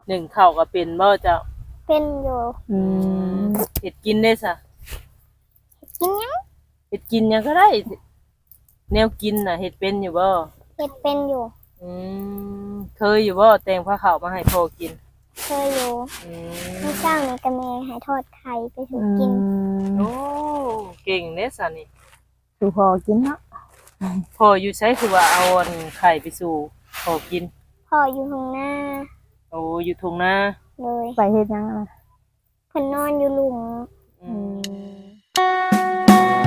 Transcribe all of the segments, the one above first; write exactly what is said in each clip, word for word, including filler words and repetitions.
หนึ่งข้าวก็เป็นบ่เจ้าเป็นอยู่อืมเฮ็ดกินได้ซะกินยังเฮ็ดกินหยังก็ได้แนวกินน่ะเฮ็ดเป็นอยู่บ่เฮ็ดเป็นอยู่อืมเคยอยู่บ่แต่งผ้าขาวมาให้พ่อกินเคยอยู่อืมเมื่อเช้านี่ก็แม่ให้ทอดไข่ไปสู่กินโอ้เก่งเด้ซะนี่สู่พอกินเนาะพ่ออยู่ไสคือว่าเอาอันไข่ไปสู่พ่อกินพ่ออยู่ข้างหน้าโอ้อยู่ทุ่งนาเลยไปเฮ็ดหยังล่ะเพิ่นนอนอยู่หลุมอืม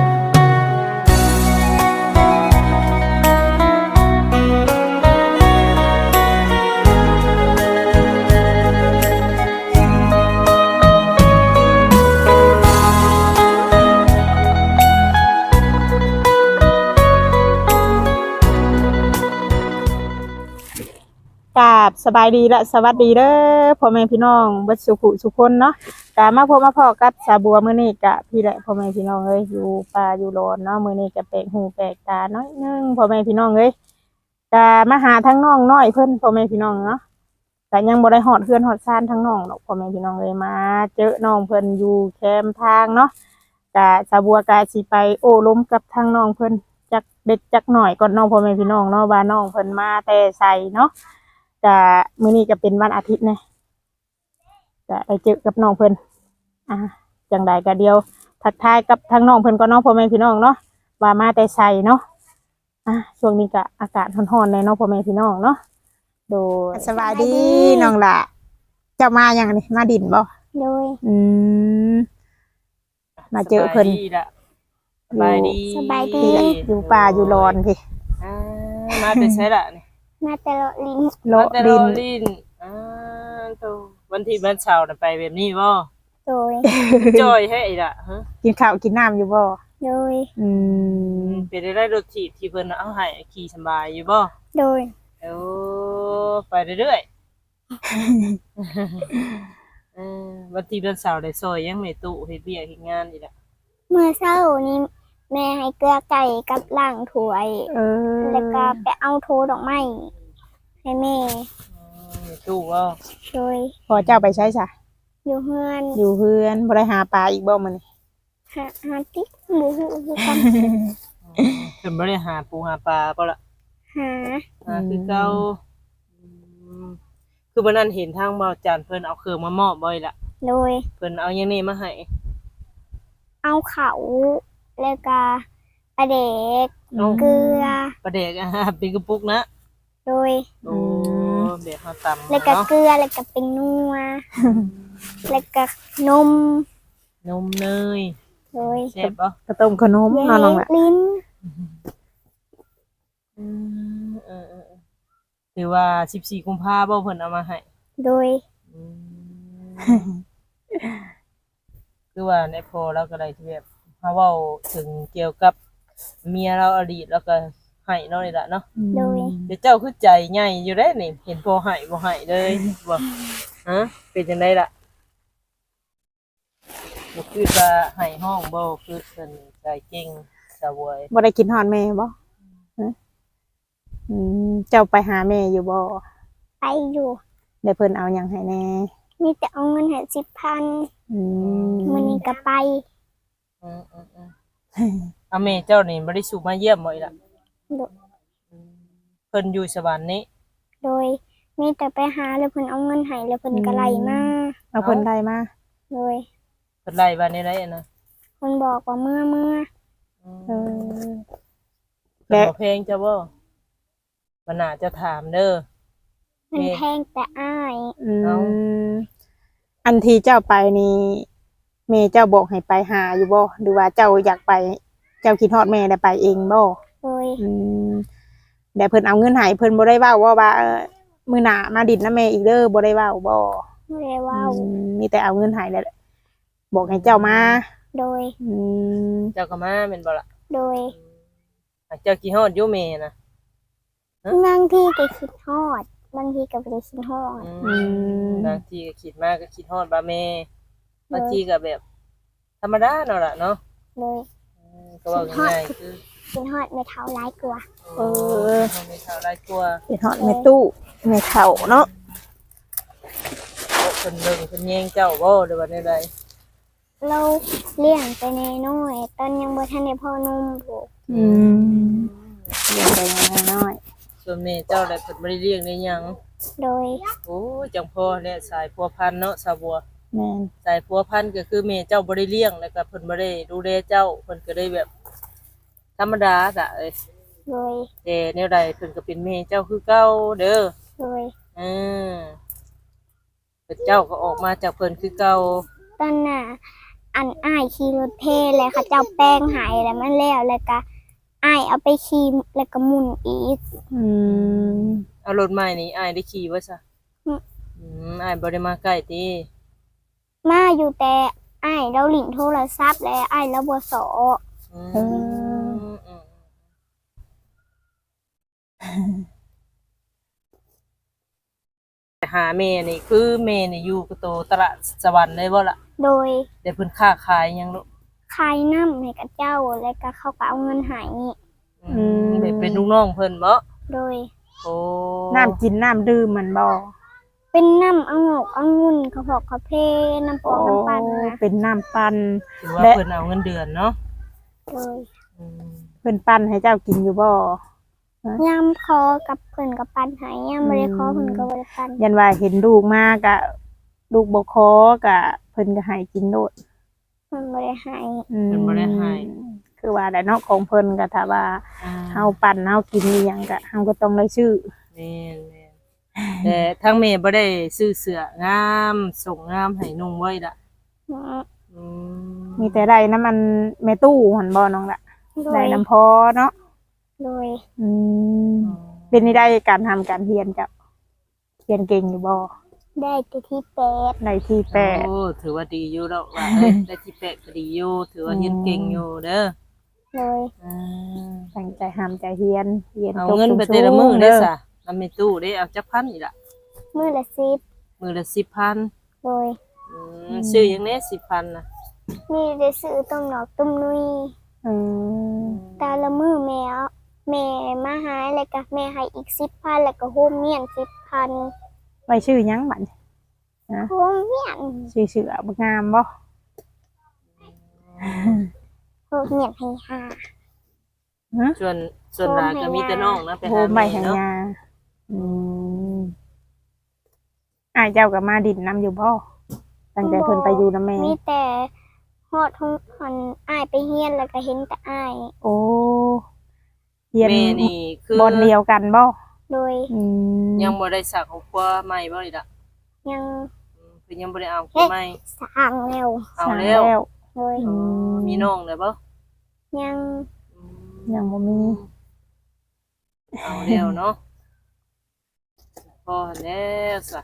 กราบสบายดีและสวัสดีเด้อพ่อแม่พี่น้องเบิดสุขุสุคนเนาะกะมาพบมาพอกับสาบัวมื้อนี้กะพี่และพ่อแม่พี่น้องเอ้ยอยู่ป่าอยู่โลนเนาะมื้อนี้ก็แปลกหูแปลกตาน้อยนึงพ่อแม่พี่น้องเอ้ยกะมาหาทั้งน้องน้อยเพิ่นพ่อแม่พี่น้องเนาะก็ยังบ่ได้ฮอดเฮือนฮอดซ่านทั้งน้องดอกพ่อแม่พี่น้องเอ้ยมาเจอน้องเพิ่นอยู่แคมป์ทางเนาะกะสาบัวกะสิไปโอ้ล้มกับทางน้องเพิ่นจักเด็กจักหน่อยก่อนน้องพ่อแม่พี่น้องเนาะว่าน้องเพิ่นมาแต่ไสเนาะจะมื้อนี้ก็เป็นวันอาทิตย์นะจะไปเจอกับน้องเพิ่นอ่าจังใดก็เดียวทักทายกับทางน้องเพิ่นก็น้องพ่อแม่พี่น้องเนาะว่ามาแต่ไสเนาะอ่ะช่วงนี้ก็อากาศร้อนๆเลยเนาะพ่อแม่พี่น้องเนาะโดยสบายดีน้องล่ะเจ้ามาอย่างนี้มาดินบ่โดยอืมมาเจอเพิ่นสบายดีสบายดีอยู่ป่าอยู่รอนพี่อ่ามาแต่ไสล่ะนี่มาแต่ละลิ้นโลดินลิ้นอ่าโตวันที่วันเสาร์น่ะไปแบบนี้บ่โดยจอยให้อีล่ะฮะกินข้าวกินน้ำอยู่บ่โดยอืมเป็นได้รถถีบที่เพิ่นเอาให้ขี่สบายอยู่บ่โดยโอ้ไปเรื่อยๆเออวันที่วันเสาร์ได้ซอยยังแม่ตู้เฮ็ดเวียกเฮ็ดงานอีล่ะเมื่อเช้านี้แม่ให้เกลือไก่กับล้างถ้วยเออแล้วก็ไปเอาโทดอกไม้ให้แม่ตู้บ่โดยพอเจ้าไปใช้จ้ะอยู่เฮือนอยู่เฮือนบ่ได้หาปลาอีกบ่มื้อนี้หาหาติ๊กหมูหูคือกันเพิ่นบ่ได้หาปูหาปลาบ่ล่ะหาหาคือเก่าคือวันนั้นเห็นทางบ่าวจันเพิ่นเอาเครื่องมามอบบ่อยล่ะโดยเพิ่นเอาหยังนี่มาให้เอาเขาแล้วก็ปลาเด็กเกลือปลาเด็กอ่ะเป็นกระปุกนะโดยโอ้เดี๋ยวเฮาตำแล้วก็เกลือแล้วก็เป็นนัวแล้วก็นมนมเนยโดยแซ่บบ่กระต้มขนมนอนลงล่ะลิ้นอืมเออๆถือว่าสิบสี่กุมภาพันธ์บ่เพิ่นเอามาให้โดยคือว่าในโพลเราก็ได้ที่แบบเฮาเว้าถึงเกี่ยวกับเมียเราอดีตแล้วก็ให้เนาะนี่ล่ะเนาะโดยเดี๋ยวเจ้าคือใจใหญ่อยู่เด้นี่เห็นพอให้บ่ให้เลยบ่ฮะเป็นจังได๋ล่ะบ่คือว่าให้ห้องบ่คือเพิ่นใจเก่งสะวยบ่ได้กินฮอดแม่บ่ฮะอืมเจ้าไปหาแม่อยู่บ่ไปอยู่ได้เพิ่นเอาหยังให้แน่มีแต่เอาเงินให้ สิบพันอืมมื้อนี้ก็ไปอือๆๆอาแม่เจ้านี่บ่ได้สู่มาเยี่ยมบ่อีล่ะเพิ่นอยู่สวรรค์นี้โดยมีแต่ไปหาแล้วเพิ่นเอาเงินให้แล้วเพิ่นก็ไล่มาเอาเพิ่นไล่มาโดยเพิ่นไล่ว่าในไดอะนะเพิ่นบอกว่าเมื่อเมื่อเออแล้วเพลงจะบ่มันน่าจะถามเด้อมันแพงแต่อ้ายอืมอันที่เจ้าไปนี่แม่เจ้าบอกให้ไปหาอยู่บ่หรือว่าเจ้าอยากไปเจ้าคิดฮอดแม่ได้ไปเองบ่โดยอืมแต่เพิ่นเอาเงินให้เพิ่นบ่ได้เว้าว่าว่ามื้อหน้ามาดิดนำแม่อีกเด้อบ่ได้เว้าบ่บ่ได้เว้ามีแต่เอาเงินให้แหละบอกให้เจ้ามาโดยอืมเจ้าก็มาแม่นบ่ล่ะโดยเจ้าคิดฮอดอยู่แม่น่ะบางทีก็คิดฮอดบางทีก็บ่ได้คิดฮอดอืมบางทีก็คิดมากก็คิดฮอดบ่าแม่บางทีก็แบบธรรมดาเนาะล่ะเนาะเลยก็ว่าง่ายๆคือคิดฮอดแม่เฒ่าหลายกว่าเออแม่เฒ่าหลายกว่าคิดฮอดแม่ตู้แม่เฒ่าเนาะพิ่นเบิ่งเพิ่นแย่งเจ้าบ่หรือว่าใดเราเลี้ยงไปในน้อยตอนยังบ่ทันได้พ่อนุ่มผูกอืมเลี้ยงไปน้อยๆส่วนแม่เจ้าได้เพิ่นบ่ได้เลี้ยงได้หยังโดยโอ้ยจังพ่อและสายพัวพันธุ์เนาะสาวบัวแม่นสายพัวพันธุ์ก็คือแม่เจ้าบ่ได้เลี้ยงแล้วก็เพิ่นบ่ได้ดูแลเจ้าเพิ่นก็ได้แบบ ธรรมดาจ้ะเอ้ยโดยแต่แนวใดเพิ่นก็เป็นแม่เจ้าคือเก่าเด้อโดยเออเพิ่นเจ้าก็ออกมาจากเพิ่นคือเก่าตอนน่ะอันอ้ายขี่รถเทเลยเขาเจ้าแป้งหายแล้วมันแล้วแล้วก็อ้ายเอาไปขี่แล้วก็หมุนอีกๆอืมเอารถใหม่นี่อ้ายได้ขี่บ่ซะอืมอืมอ้ายบ่ได้มาใกล้ติมาอยู่แต่อ้ายเราหลินโทรศัพท์และอ้ายแล้วบ่สออืมเอออืมไปหาแม่นี่คือแม่นี่อยู่กับโตตลาดสวรรค์ได้บ่ล่ะโดยแต่เพิ่นค้าขายหยังลูกขายน้ำให้กับเจ้าแล้วก็เขาก็เอาเงินใหายอืมแบบเป็นลูกน้องเพิ่นบ่โดยโอ้น้ำกินน้ำดื่มมันบ่เป็นน้ำองกองุ่นเขาบอกเขาเพน้ำปองน้ำปั่นนะเป็นน้ำปั่นถือว่าและเพิ่นเอาเงินเดือนเนาะโดยอืมเพิ่นปั่นให้เจ้ากินอยู่บ่ย่ำคอกับเพิ่นกับปันใหายย่ำบริคอเพิ่นกับบริปันยันว่าเห็นลูกมากะลูกบ่คอกะเพิ่นก็ให้กินโดดเพิ่นบริหายอืมเพิ่นบ่ได้ให้คือว่าแต่เนาะของเพิ่นก็ถ้าว่าอ่าเฮาปั่นเฮากินอีหยังก็เฮาก็ต้องได้ชื่อแม่นแม่นแต่ทั้งแม่บ่ได้ซื้อเสื้องามส่งงามให้นุ่งไว้ล่ะอืมมีแต่ได้น้ำมันแม่ตู้หั่นบ่น้องละโดได้ยน้ำพอเนาะโดยอืมเป็นนี่ได้การทำการเรียนจ้ะเรียนเก่งอยู่บ่ได้แต่ที่แปดในที่แปดโอ้ถือว่าดีอยู่แล้วว่าเอ้ยได้ที่แปดก็ดีอยู่ถือว่าเรียนเก่งอยู่เด้อโดยอ่าตั้งใจทำใจเรียนเรียนเอาจบเงินไปสูงๆแต่ละมื้อเด้เด้ออซะนำในตู้เด้เอาจักพันอีกล่ะมือละสิบมื้อละสิบพันโดยอืมซื้อหยังแน่สิบพันน่ะมีได้ซื้อต้มหนอกต้มนุยอืมแต่ละมือแม่เอาแม่มาหายแล้วก็แม่ให้อีกสิบพันแล้วก็โฮมเมียนสิบพันไว้ชื่อหยังบัดโฮมเมียนชื่อเสือบ่งามบ่โฮมเมียนให้ห้าฮะส่วนส่วนหลานก็มีแต่น้องนะไปโหหาใบแม่แห่งเนาะยาอืมอ้ายเจ้าก็มาดินนํอยู่บ่ตั้งแต่เพิ่นไปอยู่นำแม่มีแต่ฮอดทุกคนอ้ายไปเฮียนแล้วก็เห็นแต่อ้ายโอ้เรียนแม่นี่คือบอนเดียวกันบ่โดยอืมยังบ่ได้สักครอบครัวใหม่บ่อีกล่ะยังอืมเพิ่นยังบ่ได้เอาครอบครัวใหม่สร้างแล้วเอาสั่งแล้วโดยอ๋อมีน้องแล้วบ่ยังอืมยังบ่มีเอาแล้วเนาะพอแล้วซะ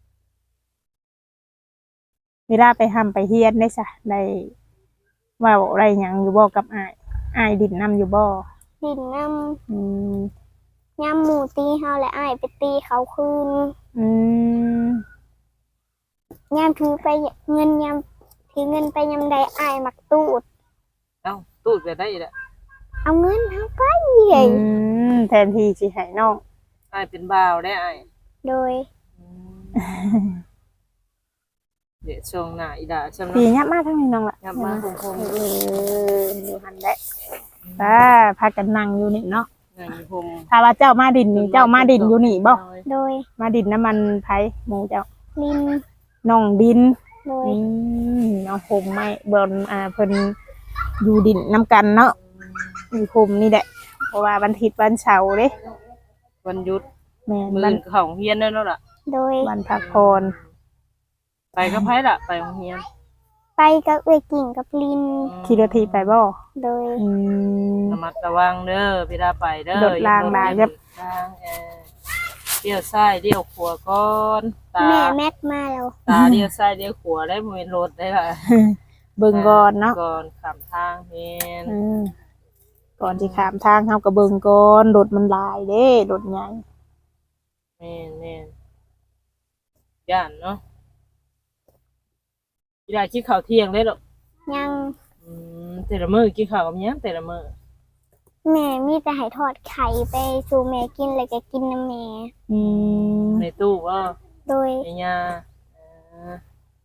เวลาไปทำไปเฮียนได้ซะได้เว่าอะไรหยังอยู่บ่กับอ้ายอ้ายดินนํอยู่บ่ดินน้อืมำยำหมูตีเฮาและอ้ายไปตีเขาคืนอืมยำถือไปเงินยำถือเงินไปยำใดอ้ายมักตูดเอ้าตูดไปได้อีกแล้วเอาเงินเฮาไปอืมแทนที่สิให้น้องอ้ายเป็นบ่าวได้อ้ายโดยอืมเดี๋ยวช่วงหน้าอีดาช่วงปีนั้นยับมาทางนี้น้องล่ะยับมาคงคงเอออยู่หันได้ป้าพากันนั่งอยู่นี่เนาะนั่งอยู่ผมถ้าว่าเจ้ามาดินนี่เจ้ามาดินอยู่นี่บ่โดยมาดินน้ำมันไผหมูเจ้าลินน้องดินโดยอืมน้องผมไม่เบิ่นอ่าเพิ่นอยู่ดินน้ำกันเนาะอยู่ผมนี่แหละเพราะว่าวันอาทิตย์วันเสาร์เด้วันหยุดแม่นมื้อวันนเข้าโรงเรียนแล้วเนาะล่ะโดยวันพักผ่อนไปกับไผล่ะไปโรงเรียนไปกับเอ้ยกิ่งกับลินขี่รถถีบไปบ่โดยอืมระมัดระวังเด้อเวลาไปเด้อรถรางรางอย่ครับรางเออเลี้ยวซ้ายเลี้ยวขวาก่อนตาแม่แม็กมาแล้วตาเลี้ยวซ้ายเลี้ยวขวาได้บ่แม่นรถได้ล่ะเบิ่งก่อนเนาะก่อนข้ามทางแม่นอืมก่อนที่ข้ามทางเฮาก็เบิ่งก่อนรถมันหลายเด้รถใหญ่แม่นแม่นย่านเนาะอีดากินข้าวเที่ยงได้หรอกยังอืมแต่ละมื้อกินข้าวกับหยังแต่ละมื้อแม่มีแต่ให้ทอดไข่ไปสู่แม่กินแล้วก็กินน้ำแม่อืมในตู้บ่โดยในยาเออา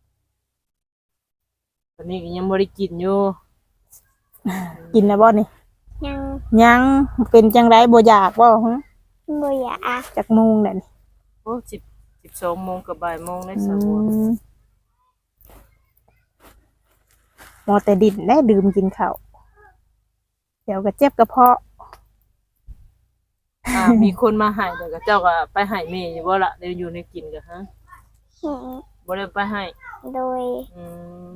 ตอนนี้ก็ยังบ่ได้กินอยู่กินแล้วบ่นี่ยังยังเป็นจังไดบ่อยากบ่ฮะบ่อยากจักโมงแล้วนี่โอ้สิบสิบสองโมงกับบ่ายโมงได้อืสาบัวมมอแต่ดินได้ดื่มกินข้าวเดี๋ยวก็เจ็บกระเพาะอ่ามีคนมาให้แต่ก็เจ้าก็ไปให้แม่อยู่บ่ล่ะเดี๋ยวอยู่ในกินก็ฮะเห็นบ่ได้ไปให้โดยอืม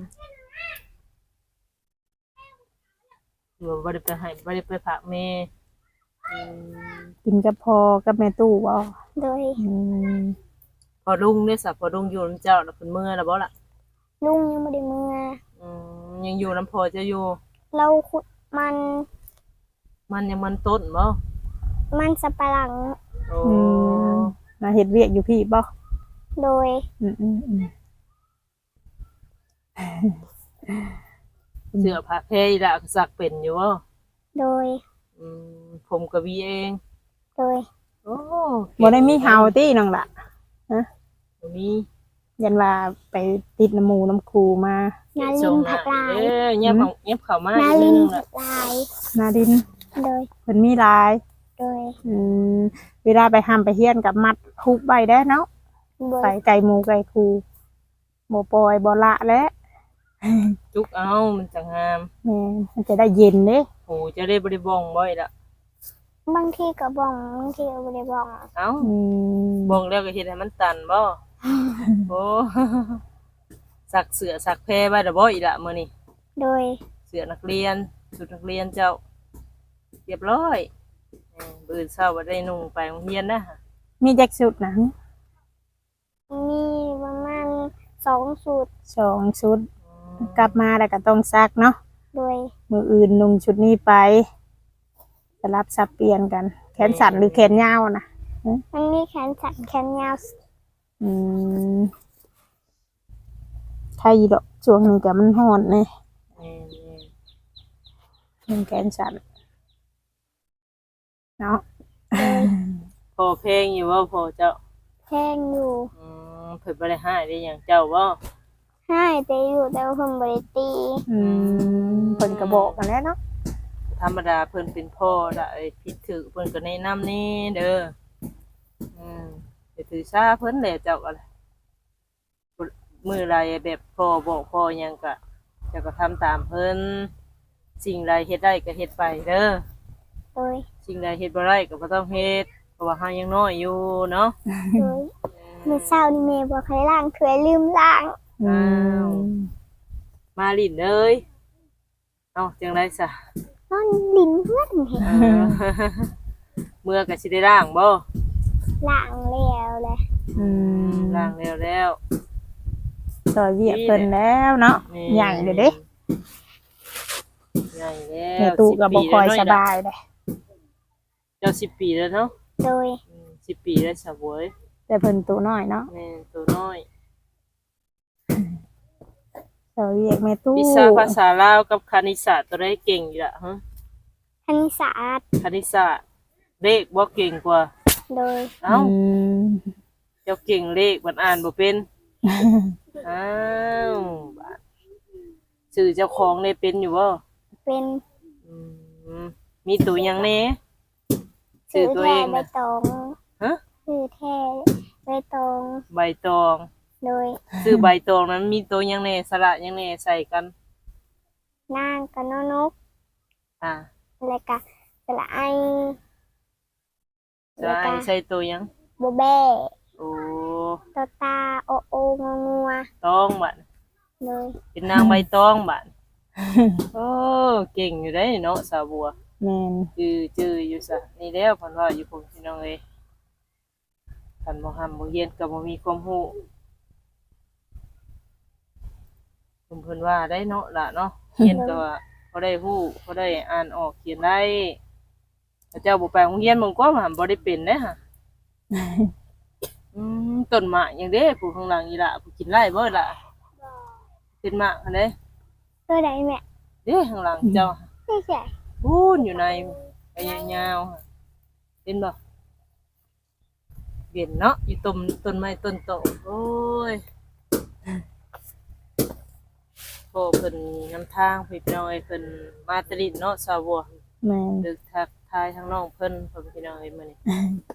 บ่บ่ได้ไปให้บ่ได้ไปฝากแม่อืมกินกับพอกับแม่ตู้บ่โดยอืมพอลุงได้สับพอลุงอยู่นํเจ้าแล้วเพิ่นเมื่อแล้วบ่ล่ะลุงยังไม่ได้เมื่ออืมยังอยู่นํพอจะอยู่เราขุดมันมันยังมันต้นบ่มันสับปะหลังโอ้อืมมาเฮ็ดเวียกอยู่พี่บ่โดยอืมอืมอืมเสื้อผ้าแพรอีหล่ะก็ซักเป็นอยู่บ่โดยอืมผมก็วีเองโดยโอ้บ่ได้มีเฮาตี้น้องล่ะบ่มียันว่าไปติดน้ำหมูน้ำครูมานาลินผักลายเอ้ยเงียบเข้าเงียบเข้ามานาอีกลินิดนนึงผัล่ะกลายนาดินโดยเพิ่นมีหลายโดยอืมเวลาไปห้ามไปเฮียนกับมัดคุกใบได้เนาะโดยใส่ไก่หมูไก่คูบ่ปล่อยบ่ละแล้วจุกเอามันจะงามแม่มันจะได้เย็นเด้โหจะได้บ่ได้บ้องบ่อยล่ะบางทีก็บ้องบางทีก็ไม่ได้บ้องเอ้าอืมบ้องแล้วก็เฮ็ดให้มันตันบ่โอ้ สักเสื้อสักแพรไว้ดอกบ่อีกล่ะมื้อนี้โดยเสื้อนักเรียนชุดนักเรียนเจ้าเรียบร้อยเออมื้ออื่นเช้าบ่ได้นุ่งไปโรงเรียนนะมีแจ็คสุดนะมีประมาณสองสูตรสองชุดอืมกลับมาแล้วก็ต้องซักเนาะโดยมืออื่นนุ่งชุดนี้ไปสลับสับเปลี่ยนกัน แขนสั้นหรือแขนยาวนะมันมีแขนสั้นแขนยาวอืมใครดอกช่วงนี้ก็มันฮ้อนนี่แม่นมันแขนสั้นเนาะๆพอเพลงอยู่บ่พอเจ้าแทงอยู่อืมเพิ่นบ่ได้ให้ได้หยังเจ้าบ่ให้แต่อยู่แต่ว่าเพิ่นบ่ได้ตีอืมเพิ่นก็บอกกันแล้วเนาะธรรมดาเพิ่นเป็นพ่อได้ผิดถูกเพิ่นก็แนะนำนี่เด้ออืมไปถือซาเพิ่นแหละเจ้าก็มื้อไรแบบพ่อบอกพ่อหยังก็เจ้าก็ทำตามเพิ่นสิ่งใดเฮ็ดได้ก็เฮ็ดไปเด้อโดยสิ่งใดเฮ็ดบ่ได้ก็บ่ต้องเฮ็ดเพราะว่าเฮายังน้อยอยู่เนาะโดยมื้อเช้านี่แม่บอกให้ล้างถ้วยลืมล้างอืมมาลิ้นเอ้ยเอ้าจังได๋ซะนอนลิ้นเพื่อนเห็นเออ เมื่อก็สิได้ล้างบ่ล้างแล้วแหละอืมล้างแล้วแล้วซอยเวียกเพิ่นแล้วเนาะนี่ใหญ่เลยเด้ใหญ่แล้วแม่ตู้ก็บ่ค่อยสิสปีแล้วเนาะบายเด้เจ้าสิบปีแล้วเนาะโดยอืมสิบปีแล้วสาวเว้ยแต่เพิ่นตัวน้อยเนาะแม่ตัวน้อยซอยเวียกแม่ตู้วิชาภาษาลาวกับคณิตศาสตร์ตัวได้เก่งอยู่ละฮะคณิตศาสตร์คณิตศาสตร์เลขบ่เก่งกว่าโดยเอ้าอืมเจ้าเก่งเลขมันอ่านบ่เป็นอ้าวบาดชื่อเจ้าของได้เป็นอยู่บ่เป็นอืมมีตัวหยังแหน่ชื่ชื่ออตัวแท้เองใบนะตองฮะชื่อแท้ใบตองใบตองโดยชื่อใบตองนั้นมีตัวหยังแหน่สระหยังแหน่ใส่กันนางกับนนกอ่าแล้วก็สระไอสระไอใส่ตัวหยังโบแบ้โอ้ตอตาโอโององัวตองบัดเลยเป็นนางใบตองบัด โอ้เก่งอยู่ได้เนาะสาวบัวแม่นจื้อจื้ออยู่ซะนี่แล้วเพิ่นว่าอยู่พุ่นพี่น้องเอ้ยคันบ่ห้ำบ่เรียนก็บ่มีความรู้เพิ่นเพิ่นว่าได้เนาะล่ะเนาะเรียนก็ว่าบ่ได้รู้บ่ได้อ่านออกเขียนได้แต่เจ้าบ่ไปโรงเรียนมันก็ว่าบ่ได้เป็นเด้ฮะอืมต้นหมากหยังเด้ผู้ข้างหลังอีหล่ะผู้กินไร่บ่ล่ะเป็นหมากอันใดตัวใดแม่เด้ข้างหลังเจ้าไม่ใช่พูนอยู่ในไปยาวๆค่ะเห็นบ่เห็นเนาะอยู่ต้นต้นไม้ต้นโตโอ้ยพ่อเพิ่นนำทางพี่น้องเอ้ยเพิ่นมาตริดเนาะสาวบัวแม่นดึกทักทายทั้งน้องเพิ่นพ่อพี่น้องเอ้ยมื้อนี้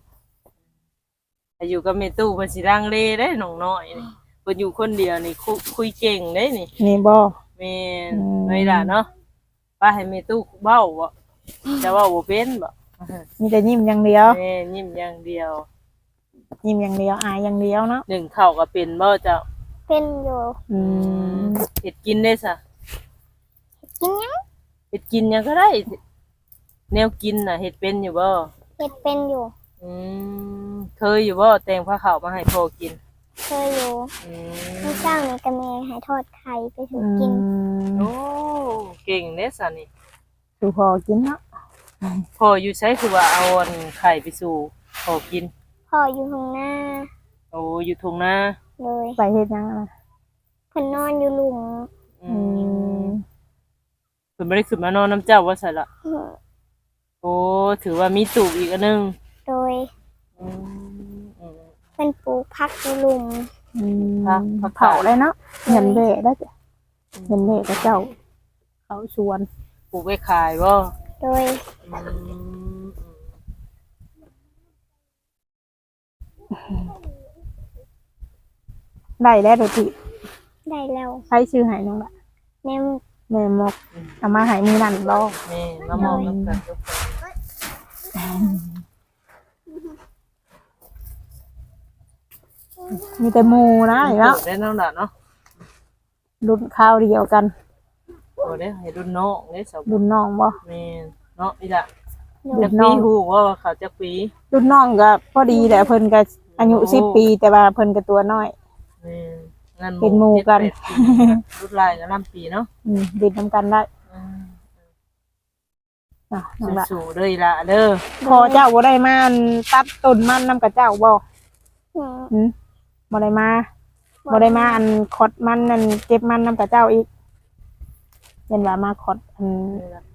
อายุกับแม่ตู้เพิ่นสิรังเลเด้น้องน้อยนี่เพิ่นอยู่คนเดียวนี่คุคุยเก่งเด้นี่นี่บ่แม่นอืมไว้ล่ะเนาะป้าให้แม่ตู้เว้าบ่จะเว้าบ่เป็นบ่มีแต่ยิ้มอย่างเดียวแม่ยิ้มอย่างเดียวยิ้มอย่างเดียวอายอย่างเดียวเนาะหนึ่งข้าวก็เป็นบ่เจ้าเป็นอยู่อืมเฮ็ดกินได้ซะกินหยังเฮ็ดกินหยังก็ได้ แนวกินน่ะเฮ็ดเป็นอยู่บ่เฮ็ดเป็นอยู่อืมเคยอยู่บ่แต่งผ้าขาวมาให้พ่อกินเคยอยู่อืเมื่อมเช้านี่ก็แม่ให้ทอดไข่ไปสู่อืกินมโอ้เก่งเด้ซะนี่ดูพอกินเนาะพ่ออยู่ไสคือว่าเอาอันไข่ไปสู่พ่อกินพ่ออยู่ข้างหน้าโอ้อยู่ทุ่งนาเลยไปเฮ็ดหยังอะเพิ่นนอนอยู่หลุมอือืมมเพิ่นบ่ได้ขึ้นมานอนน้ำเจ้าว่าซั่นล่ะอื้อโอ้ถือว่ามีตูบอีกอันหนึงโดยอืมอืมเพิ่นปลูกผักอยู่หลุมอืมพักพักเผาเลยเนาะเงินเบะได้จ้ะเงินเบะกับเจ้า เขาชวนปลูกไว้ขายบ่โดยอืมได้แล้วโดยที่ได้แล้วใช้ชื่อใหายน้องละแม่แม่มกเอามาใหายมือนั่นบ่แม่มามองนำกันทุกคนมีแต่หมูนะอีกแล้วได้น้องล่ะเนาะรุ่นข้าวเดียวกันโอ้ได้ให้รุ่นน้องได้สาวรุ่นน้องบ่แม่เนาะอีล่ะรุ่จักนน้ปีองฮู้ว่าเขาจักปีรุ่นน้องก็พอดีแหละเพิ่นก็อายุสิบปี แต่ว่าเพิ่นก็ตัวน้อยแม่งั้นเป็นหมู่กันเจ็ดแปดปีรุ่นหลายก็นำปีเนาะอืมดินนำกันได้อืมอ่ะน้องละสู้ๆเด้ออีล่ะเด้อพอเจ้าบ่ได้มาตัดต้นมันนำกับเจ้าบ่อืมหืมบ่ได้มาบ่ได้มาอันคดมันนั่นเก็บมันนำกับเจ้าอีกเห็นว่ามาคดอันนี่ล่ะ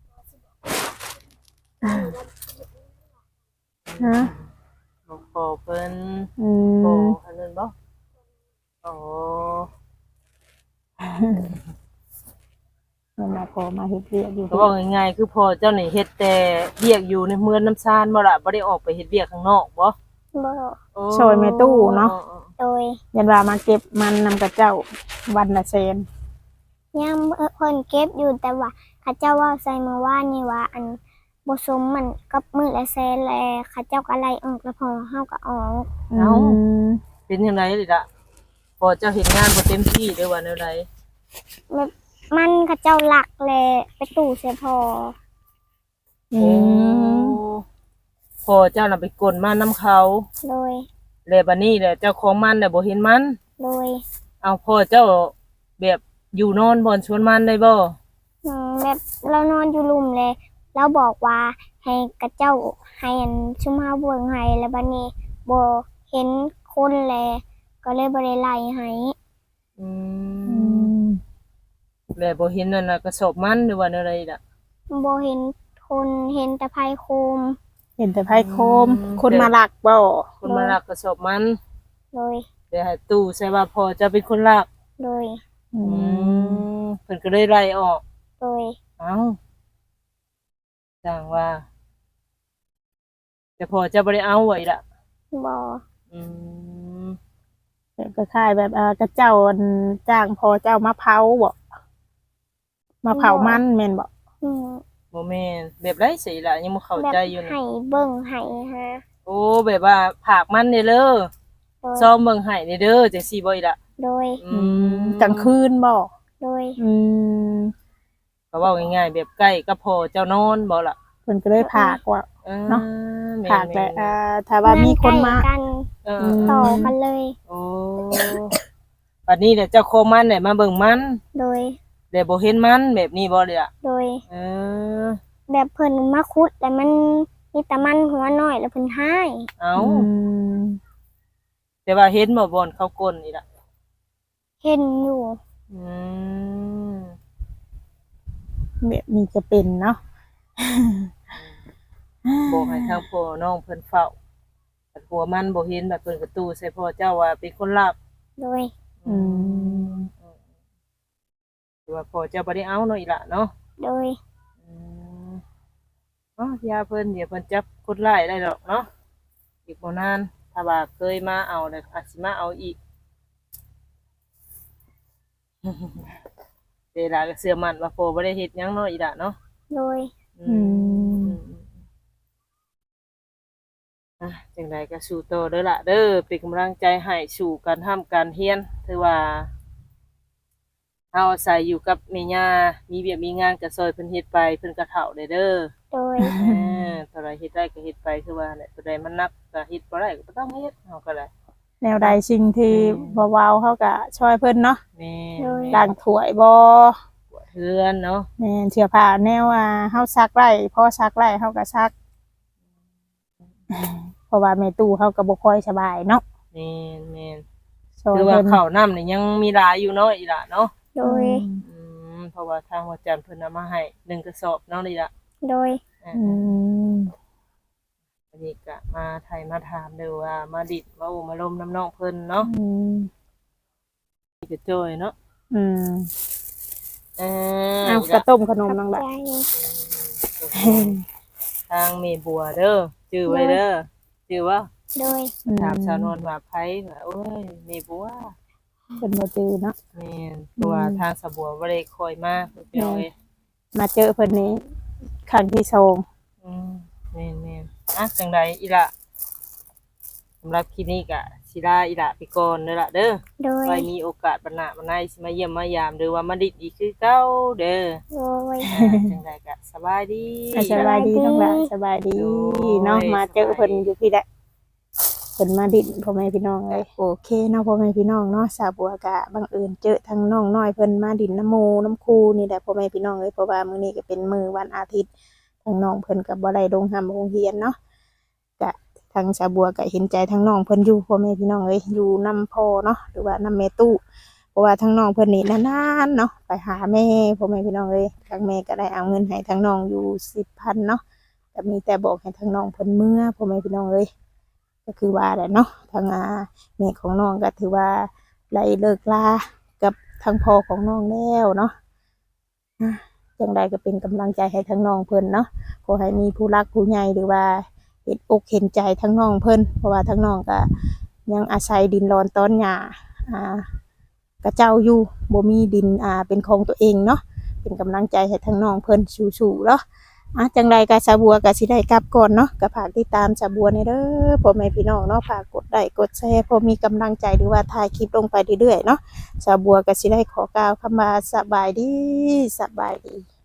ฮะบอกพ่อเพิ่นอืโอ้มอันนั้นบ่โอ้เห็นว่าพอมาเฮ็ดเวียกอยู่ก็บอกง่ายๆคือพ่อเจ้านี่เฮ็ดแต่เวียกอยู่ในเมืองน้ำซานบ่ล่ะบ่ได้ออกไปเฮ็ดเวียกข้างนอกบ่บ่โอ้ช่วยแม่ตู้เนาะโดยเห็นว่ามาเก็บมันนำกับเจ้าวันละแสนยังเพิ่นเก็บอยู่แต่ว่าเขาเจ้าว่าใส่เมื่อวานนี่ว่าอันบ่สมมันกับมื้อละแสนแลเขาเจ้าก็ไล่ออกแล้วพอเฮาก็ออกอืมเป็นจังไดล่ะพ่อเจ้าเฮ็ดงานบ่เต็มที่เด้อว่าแนวใดแบบมันเขาเจ้าหลักแลไปตู้เสียพออืโอ้มพ่อเจ้าน่ะไปกลมานํเขาโดยแล้วบัดนี้แหละเจ้าของมันน่ะบ่เห็นมันโดยเอาพ่อเจ้าแบบอยู่นอนบ่อนชวนมันได้บ่อืมแบบเรานอนอยู่หลุมเลยแล้วบอกว่าให้กระเจ้าให้อันชุมเฮาเบิ่งให้แล้วบัดนี้บ่เห็นคนแลก็เลยบ่ได้ไล่ให้อือืมมแล้วบ่เห็นนั่นน่ะกระสอบมันหรือว่าแนวใดล่ะบ่เห็นคนเห็นแต่ไผโคมเห็นแต่ไพ่โคมอืมคนมาลักบ่คนมาลักกระสอบมันโดยเดี๋ยวให้ตู้ใส่ว่าพ่อเจะเป็นคนลักโดยอือืมมเพิ่นก็เลยไล่ออกโดยเอ้าจังว่า แต่พ่อเจะบ่ได้เอาไว้ล่ะบ่อืมก็คล้ายแบบอ่ากระเจ้าอันจ้างพอเจ้ามาเผาบ่มาเผามันแม่นบ่อืมบ่แม่นแบบไรสิล่ะยังบ่เข้าแบบใจอยู่นี่ให้เบิ่งให้ฮะโอ้แบบว่าผากมันเด้อเด้อโดยซ้อมเบิ่งให้เด้อเด้อจังซี่บ่อีล่ะโดยอืมกลางคืนบ่โดยอืมก็เว้าง่ายๆแบบใกล้กับพ่อเจ้านอนบ่ล่ะเพิ่นก็เลยพากว่าออเนาะแม่พากแต่ๆอ่าถ้าว่ามีคนมาใกล้กันเออมต่อกันเลยโอ้บัดนี้เดี๋ยวเจ้าโคมันเนี่ยมาเบิ่งมันโดยเดี๋ยวบ่เห็นมันแบบนี้บ่เลยอ่ะโดยเออแบบเพิ่นมาคุดแต่มันมีแต่มันหัวน้อยแล้วเพิ่นให้เอาอืมแต่ว่าเห็นบ่บ่อนเขากลนนี่ล่ะเห็นอยู่อืมแบบนี้จะเป็นเนาะบอกให้ทางพ่อน้องเพิ่นเฝ้าแต่ผัวมันบ่เห็นแบบเพิ่นกระตู้ใส่พ่อเจ้าว่าเป็นคนลักโดยอืมพอเจ้าบ่ได้เอาเนาะอีหล่ะเนาะโดยอืมเนาะยาเพิ่นเดี๋ยวเพิ่นจับคนร้ายได้ดอกเนาะอีกบ่นานถ้าว่าเคยมาเอาแล้วอาจสิมาเอาอีก เวลาก็เชื่อมั่นว่าโฟบ่ได้เฮ็ดหยังเนาะอีหล่ะเนาะโดยอืมอ่ะจังใดก็สู้ต่อเด้อล่ะเด้อเป็นกำลังใจให้สู่การทำการเรียนถือว่าเฮาอาศัยอยู่กับแม่ย่ามีเวียกมีงานก็ซอยเพิ่นเฮ็ดไปเพิ่นก็เฒ่าได้เด้อโดยเออเท่าไรเฮ็ดได้ก็เฮ็ดไปคือว่าแหละตัวใดมันนักก็เฮ็ดบ่ได้ก็บ่ต้องเฮ็ดเฮาก็ได้แนวใดสิ่งที่บ่เว้าเฮาก็ช่วยเพิ่นเนาะแม่ล้างถ้วยบ่ปวดเฮือนเนาะแม่นเสื้อผ้าแนวว่าเฮาซักไว้พอซักไว้เฮาก็ซัก เพราะว่าแม่ตู้เฮาก็บ่ค่อยสบายเนาะแม่นแม่นช่วยคือว่าเพิ่นข้าวน้ำนี่ยังมีหลายอยู่เนาะอีหล่ะเนาะโดยอืมเพราะว่าทางหัวจันทร์เพิ่นเอามาให้หนึ่งกระสอบเนาะนี่ล่ะโดยอ่าอืมอันนี้ก็มาไทยมาถามเด้อว่ามาดิดมาโอ้มาลมน้ำน้องเพิ่นเนาะอืมนี่ก็จ้อยเนาะอืมเออเอาอีกระล่ะต้มขนมขอบนังละใจทางเมบัวเด้อชื่อไว้เด้อชื่อว่าโดยถามชาวนวลว่าไผว่าโอ้ยเมบัวเป็นบ่จือเนาะแม่นเพราะว่าทางสะบัวบ่ได้คอยมาเพิ่นเอาเอ้ยมาเจอเพิ่นนี้ครั้งที่สองอืมแม่นแม่นอ่ะจังใดอีหล่ะสำหรับคลิปนี้ก็สิลาอีหล่ะไปก่อนเด้อล่ะเด้อโดยไว้มีโอกาสบัดหน้าบัดในสิมาเยี่ยมมายามหรือว่ามาดิดอีกคือเก่าเด้อโดยอ่าจังใดก็สบายดีอ่ะสบายดีทั้งหลายสบายดีโอ้ยเนาะมาเจอเพิ่นสบายดีอยู่พี่แหละเพิ่นมาดินพ่อแม่พี่น้องเอ้ยโอเคเนาะพ่อแม่พี่น้องเนาะสาวบัวก็บังเอิญเจอทั้งน้องน้อยเพิ่นมาดินน้ำหมูน้ำคูนี่แหละพ่อแม่พี่น้องเอ้ยเพราะว่ามื้อนี้ก็เป็นมื้อวันอาทิตย์ทั้งน้องเพิ่นก็บ่ได้ลงหำโรงเรียนเนาะก็ทางสาวบัวก็เห็นใจทั้งน้องเพิ่นอยู่พ่อแม่พี่น้องเอ้ยอยู่นำพ่อเนาะหรือว่านำแม่ตู้เพราะว่าทั้งน้องเพิ่นนี่นานๆเนาะไปหาแม่พ่อแม่พี่น้องเอ้ยทางแม่ก็ได้เอาเงินให้ทั้งน้องอยู่สิบพันเนาะก็มีแต่บอกให้ทั้งน้องเพิ่นเมื่อพ่อแม่พี่น้องเอ้ยก็คือว่าแหละเนาะทางอาแม่ของน้องก็ถือว่าไล่เลิกลากับทางพ่อของน้องแล้วเนาะอ่ะจังใดก็เป็นกำลังใจให้ทั้งน้องเพิ่นเนาะขอให้มีผู้รักผู้ใหญ่หรือว่าเห็นอกเห็นใจทั้งน้องเพิ่นเพราะว่าทั้งน้องก็ยังอาศัยดินรอนต้นหญ้าอ่ากระเจ้าอยู่บ่มีดินอ่าเป็นของตัวเองเนาะเป็นกำลังใจให้ทั้งน้องเพิ่นสู้ๆเนาะอ่ะจังใดก็สาบัวก็สิได้กลับก่อนเนาะก็ฝากติดตามสาบัวในเด้อพ่อแม่พี่น้องเนาะฝากกดไลค์กดแชร์พอมีกำลังใจหรือว่าถ่ายคลิปลงไปเรื่อยๆเนาะสาบัวก็สิได้ขอกล่าวคำว่าสบายดีสบายดี